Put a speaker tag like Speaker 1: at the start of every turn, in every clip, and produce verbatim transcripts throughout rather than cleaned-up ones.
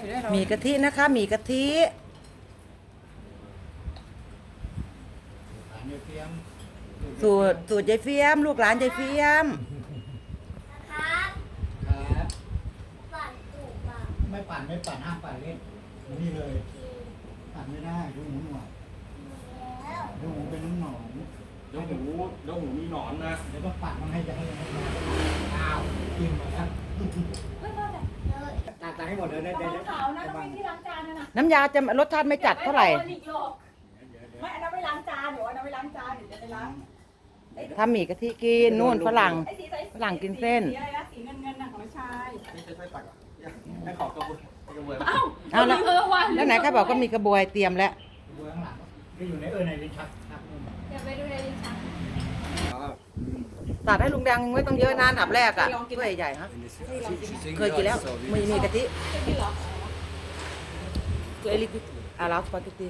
Speaker 1: มีกะทินะคะมีกะทิสูตรสูตรยายเฟียมลูกหลานยายเฟียม
Speaker 2: ครับครับปั่นถูกป่ะไม่ปั่นไม่ปั่นห้ามปั่นเล่นนี่เลยปั่นไม่ได้ดูหมูหน่อยดูหมูเป็นน้ำหนอง
Speaker 3: เดี๋ยวหมูเดี๋ยวหมูมีหนอนนะ
Speaker 2: เดี๋ยวก็ปั่นมันให้จะให้อ้าวกินหมดแล้วตักตักให้หมดเลยได้ได้ได้
Speaker 4: ขาวนะต้องมีที่ล้างจานนะ
Speaker 1: น้ำยาจะรสชาติไม่จัดเท่าไหร่
Speaker 4: ไม่อันนั้นไม่ล้างจานเดี๋ยวอันนั้นไม่ล้างจานเดี๋ยวจะไปล้าง
Speaker 1: ทำหมี่กะทิกินนู่นฝรั่งฝรั่งกินเส้น
Speaker 4: สีอะไรนะสีเงินเงินนะของชาย
Speaker 3: ไม่ใช่ไส้ปักอ่ะให้ขอกระบวยกระบวย
Speaker 4: อ้าว
Speaker 1: เอาแล้วแล้วไหนใครบอกก็มีกระบวยเตรียมแล้ว
Speaker 2: ดูข้างหลังที่อยู่ในเออในลิ้นชัก
Speaker 4: เดี๋ยวไปดูในลิ้นชัก
Speaker 1: ตัดให้ลุงแดงไม่ต้องเยอะนะอันดับแรกอ่ะถ้วยใหญ่ฮะเคยกินแล้วมีมีกะทิเคยลิกิอาราสปาเกตตี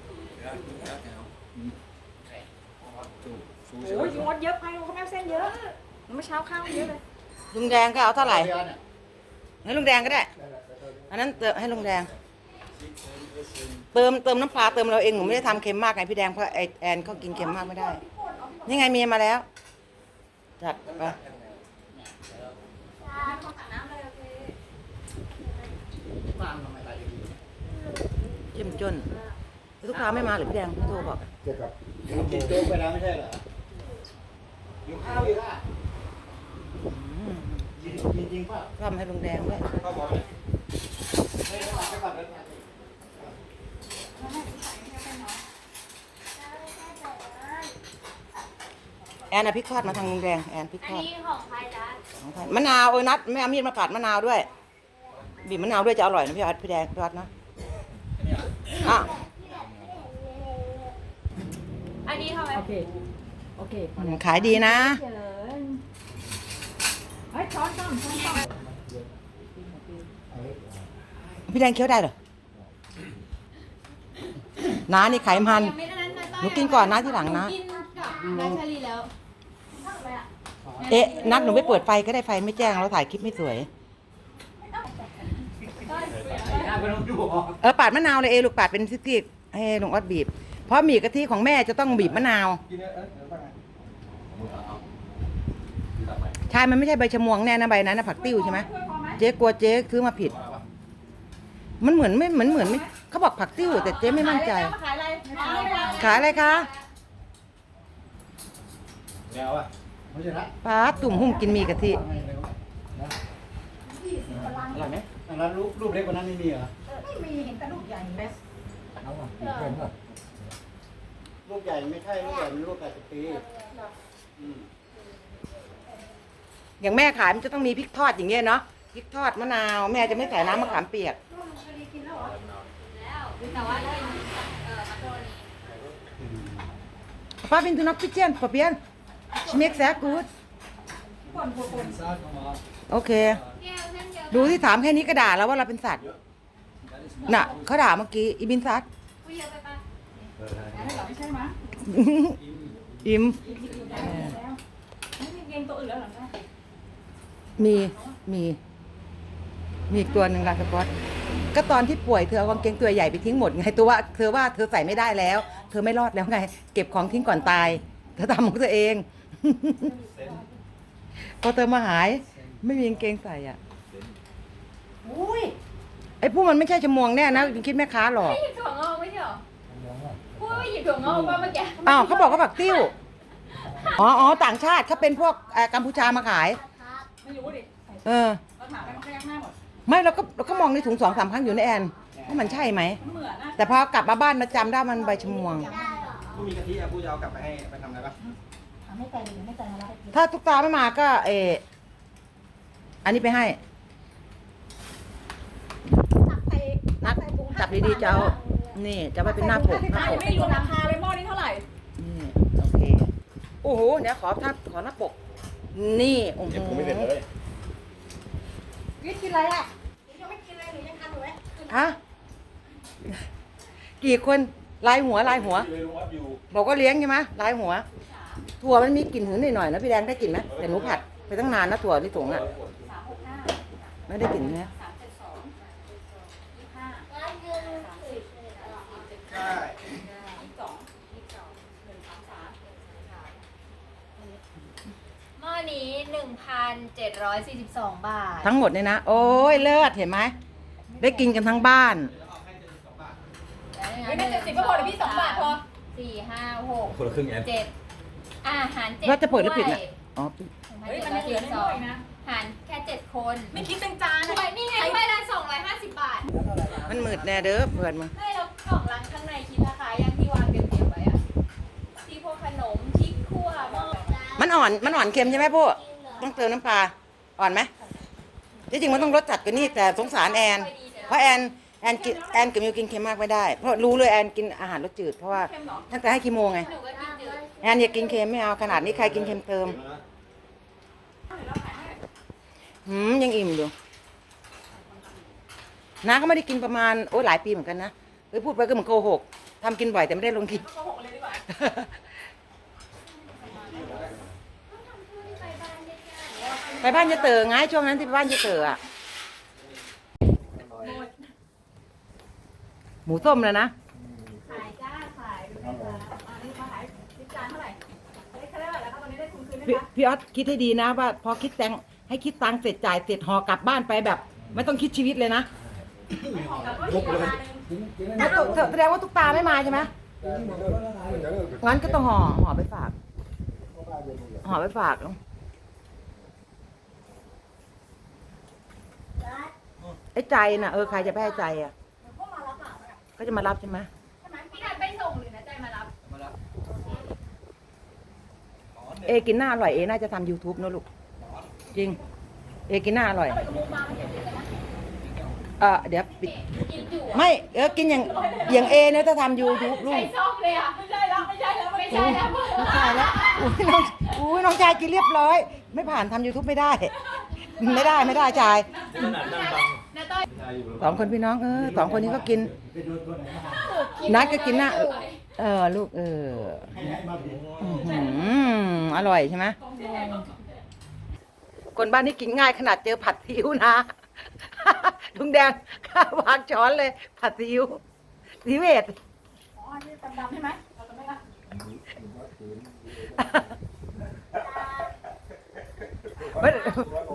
Speaker 4: โอ้ยงดเยอะไปลุงเขาแม่เส้นเยอะเมื่อเช้าข้าวเยอะเลย
Speaker 1: ลุงแดงก็เอาเท่าไหร่ให้ลุงแดงก็ได้อันนั้นเติมให้ลุงแดงเติมเติมน้ำปลาเติมเราเองหนูไม่ได้ทำเค็มมากไงพี่แดงเพราะไอแอนเขากินเค็มมากไม่ได้นี่ไงเมียมาแล้วจัดไปเจ้มจนลูกค้าไม่มาหรือพี่แดงพี่โทรบอก
Speaker 2: เกี่ยวกับกินโจ๊กไปแล้วไม่ใช่เหรออยู่ข้าวอยู่อ่ะยิงยิงจริงป่ะ
Speaker 1: ทำให้ลุงแดงด้วย
Speaker 3: ข้าวบอล
Speaker 2: ไม่ได้มาแค่ก่อนเลย
Speaker 1: แอนเอาพริกทอดมาทางลุงแดงแอนพริกทอด
Speaker 4: อันนี้ของใครจ๊ะ
Speaker 1: ของใครมะนาวเอ้ยนัดไม่เอามีดมาปาดมะนาวด้วยบีบมะนาวด้วยจะอร่อยนะพี่อัดพี่แดงพี่อัดนะอ่ะ
Speaker 4: อันนี้ทำไมโอเคโอเค
Speaker 1: ขายดีนะ
Speaker 4: เฮ้ยช้อนช้อนช้อนช้อน
Speaker 1: พี่แดงเคี้ยวได้เหรอน้านี่ไขมันหนูกินก่อนนะที่หลังนะ
Speaker 4: กินกับแบชลีแล้ว
Speaker 1: เอ๊ะนัดหนูไม่เปิดไฟก็ได้ไฟไม่แจ้งเราถ่ายคลิปไม่สวยเออปาดมะนาวเลยเอลูกปาดเป็นซิกๆให้ลุงออดบีบเพราะหมี่กะทิของแม่จะต้องบีบมะนาวใช่มันไม่ใช่ใบชะมวงแน่นะใบนั้นนะผักติ้วใช่ไหมเจ๊กลัวเจ๊ซื้อมาผิดมันเหมือนไม่เหมือนเหมือนไม่เขาบอกผักติ้วแต่เจ๊ไม่มั่นใจ
Speaker 4: ขายอะไร
Speaker 1: ขายอะไรคะ
Speaker 2: แล้วอ่ะไม่ใช่ละ
Speaker 1: ป้าตุ่มหุ่มกินหมี่กะทิ
Speaker 2: อร่อยไหมแล้วรูปรูปเล็กกว่านั้นไม่มีเหรอ
Speaker 4: ไม่มีเห็นแต่ลูกใหญ่เบส
Speaker 2: เอาอ่ะเป็นป่ะลูกใหญ่ไม่ใช่ลูกใหญ่เป็นลูกแปดสิบปี
Speaker 1: อย่างแม่ขายมันจะต้องมีพริกทอดอย่างเงี้ยเนาะพริกทอดมะนาวแม่จะไม่ใส่น้ำมะขามเปียกป้าเป็นตุนักพิเศษป้าเปียนชิเมกแซกูดโอเคดูที่ถามแค่นี้ก็ด่าแล้วว่าเราเป็นสัตว์น่ะเขาด่าเมื่อกี้อีบินซัด
Speaker 4: ไม่ใช่ไหม
Speaker 1: อิม
Speaker 4: ไม่มีเกงตัวอื่นแล้วหรอคะ
Speaker 1: มีมีมีอีกตัวหนึ่งลาสกอตก็ตอนที่ป่วยเธอเอากางเกงตัวใหญ่ไปทิ้งหมดไงตัวว่าเธอว่าเธอใส่ไม่ได้แล้วเธอไม่รอดแล้วไงเก็บของทิ้งก่อนตายเธอทำของตัวเองพอเธอมาหายไม่มีกางเกงใส่อ่ะ
Speaker 4: อุ้ย
Speaker 1: ไอ้พวกมันไม่ใช่ชมวงแน่นะคิดแม่ค้าหรอก
Speaker 4: ไม่หยิบถั่วงอกไม่ใช่หรอพูดไม่หยิบถั่วงอกป่ะเมื่อกี้
Speaker 1: อ้าวเขาบอกเขาผักติ้วอ๋ออ๋อต่างชาติเขาเป็นพวกกัมพูชามาขาย
Speaker 4: ไม่รู้ดิ
Speaker 1: เออ
Speaker 4: เราถามไปมันก็ยักหน้าหมด
Speaker 1: ไม่เราก็เราก็มองในถุงสองสามครั้งอยู่ในแอนว่ามันใช่ไหม
Speaker 4: เหมือนนะ
Speaker 1: แต่พอกลับมาบ้านมาจำได้มันใบชมวง
Speaker 3: ไม่มีกะทิอ่ะผู้จะเอากลับไปให้ไปทำอะไรปะ
Speaker 4: ไม่ใจหรือไม่ใจมาแล้ว
Speaker 1: ถ้าทุกตาไม่มาก็เอออันนี้ไปให้นัดจับดีๆเจ้านี่จะไปเป็นหน้าปกหน้าปก
Speaker 4: ไม่รู้ราคาเลยหม้อนี้เท่าไหร่
Speaker 1: นี่โอเคโอ้โหเดี๋ยวขอท่าขอหน้าปกนี่โอ้โห
Speaker 3: ผมไม่เสร็จเลย
Speaker 4: กินกินอะไรอ่ะยังไม่กินเลยหรือยังทานอยู่ไหม
Speaker 1: ฮะกี่คนลายหัวลายหัวบอกว่าเลี้ยงใช่ไหมลายหัวถั่วมันมีกลิ่นหืนหน่อยๆนะพี่แดงได้กลิ่นไหมแต่หนูผัดไปตั้งนานนะถั่วที่ถุงอ่ะไม่ได้กลิ่นนะ
Speaker 5: นี้หนึ่งพันเจ็ดร้อยสี่สิบสองบาท
Speaker 1: ทั้งหมดเนี่ยนะ โอ้ยเลิศเห็นไหมได้กินกันทั้งบ้าน
Speaker 5: ไม่ได้เจ็ดสิบก็พอเดี๋ยวพี่สองบาทพอสี่ห้าหก
Speaker 3: คนละครึ่งแอน
Speaker 5: เจ็ดอาหารเจ็ด
Speaker 1: แล้วจะเปิดหรือปิดน่ะ อ๋อ
Speaker 5: เฮ้ยมันเหลือน้อยนะหารแค่เจ็ดคน ไม่คิดเป็นจานถ้วยนี่ไงถ้วยละสองร้อยห้าสิบบาท
Speaker 1: มันมืดแน่เด้อเพื่อนมึง
Speaker 5: ไม่แล้วกล่องรังข้างในคิดราคายังที่วางเก็บๆไว้อะที่พวกขนมพริกขั่วหม้อ
Speaker 1: มันอ่อน มันอ่อนเค็มใช่ไหมพวกต้องเติมน้ำปลา อ่อนไหมที่จริงมันต้องรสจัดกว่านี้แต่สงสารแอน เพราะแอนแอนกินแอนกับมิวกินเค็มมากไม่ได้ เพราะรู้เลยแอนกินอาหารรสจืดเพราะว่าตั้งแต่ให้คีโมไง
Speaker 5: หนูก็กินจืด
Speaker 1: แอนอย่ากินเค็มไม่เอาขนาดนี้ใครกินเค็มเติมหืมยังอิ่มอยู่น้าก็ไม่ได้กินประมาณโอ้ยหลายปีเหมือนกันนะเอ้ยพูดไปก็เหมือนโกหกทำกินบ่อยแต่ไม่ได้ลงคลิป ไปบ้านจะเต๋อไงช่วงนั้นที่ไปบ้านจะเต๋ออะหมูส้มเลยนะ
Speaker 4: ขายจ้าขายดูนะคะอันนี้มาขายสิบจานเท่าไหร่อันนี้เขาเรียกว่าอะไรคะตอนนี้ได้ทุนคืนไหม
Speaker 1: พี่
Speaker 4: คะ
Speaker 1: พี่ออสคิดให้ดีนะว่าพอคิดตังค์ให้คิดตังค์เสร็จจ่ายเสร็จห่อกลับบ้านไปแบบ ไม่ต้องคิดชีวิตเลยนะ
Speaker 4: ของกับก็อีกราคาหนึ่ง
Speaker 1: อ่ะตุ๊กแสดงว่าตุ๊กตาไม่มาใช่ไหมงั้นก็ต้องห่อห่อไปฝากห่อไปฝากไอ้ใจน่ะเออใครจะไปให้ใจอ่ะ
Speaker 4: พวกมารับอ่ะ
Speaker 1: ก็จะมารับใช่ไหม
Speaker 4: ใช่ไหม
Speaker 5: พี่นันไปส่งหรือนะใจมารับ
Speaker 3: มาแล้ว
Speaker 1: เอกินหน้าอร่อยเอน่าจะทำ YouTube นะลูกจริง เอกินหน้าอร่อย
Speaker 4: เอาไปกับมูมาไม่เก็บเลยนะ
Speaker 1: เออเดี๋ยวปิด
Speaker 5: กินอยู่อะ
Speaker 1: ไม่เออกินอย่างอย่างเอเนี่ยถ้าทำ YouTube ลู
Speaker 5: ใส่
Speaker 1: ก
Speaker 5: ซองเลยอะ
Speaker 4: ไม่ใช่แล้วไม่ใช่แล้วไม่
Speaker 5: ไม่
Speaker 4: ใช่
Speaker 5: ใช่แล้ว
Speaker 1: ไม่ใช่แล้วอุ้ยน้องอุ้ยน้องชายกินเรียบร้อย ไม่ผ่านทำ YouTube ไม่ได้ ไม่ได้ไม่ได้ชาย
Speaker 3: ขนาดนั่งบัง
Speaker 5: นาต้อย
Speaker 1: สองคนพี่น้องเออสองคนนี้ก็กิน
Speaker 2: ไปโดนตัวไหนมา
Speaker 1: นัดก็กินหน้าเออลูกเออ
Speaker 2: ให้ให้มาผิด
Speaker 1: อื้อหืออร่อยใช่ไหมคนบ้านนี้กินง่ายขนาดเจอผัดซีอิ๊วนะ ลุงแดงข้าวางช้อนเลย ผัดซีอิ๊วซีเวท
Speaker 4: อ๋ออันนี้ดำๆใช่ไหมเราจะไม่ละ
Speaker 1: ไม่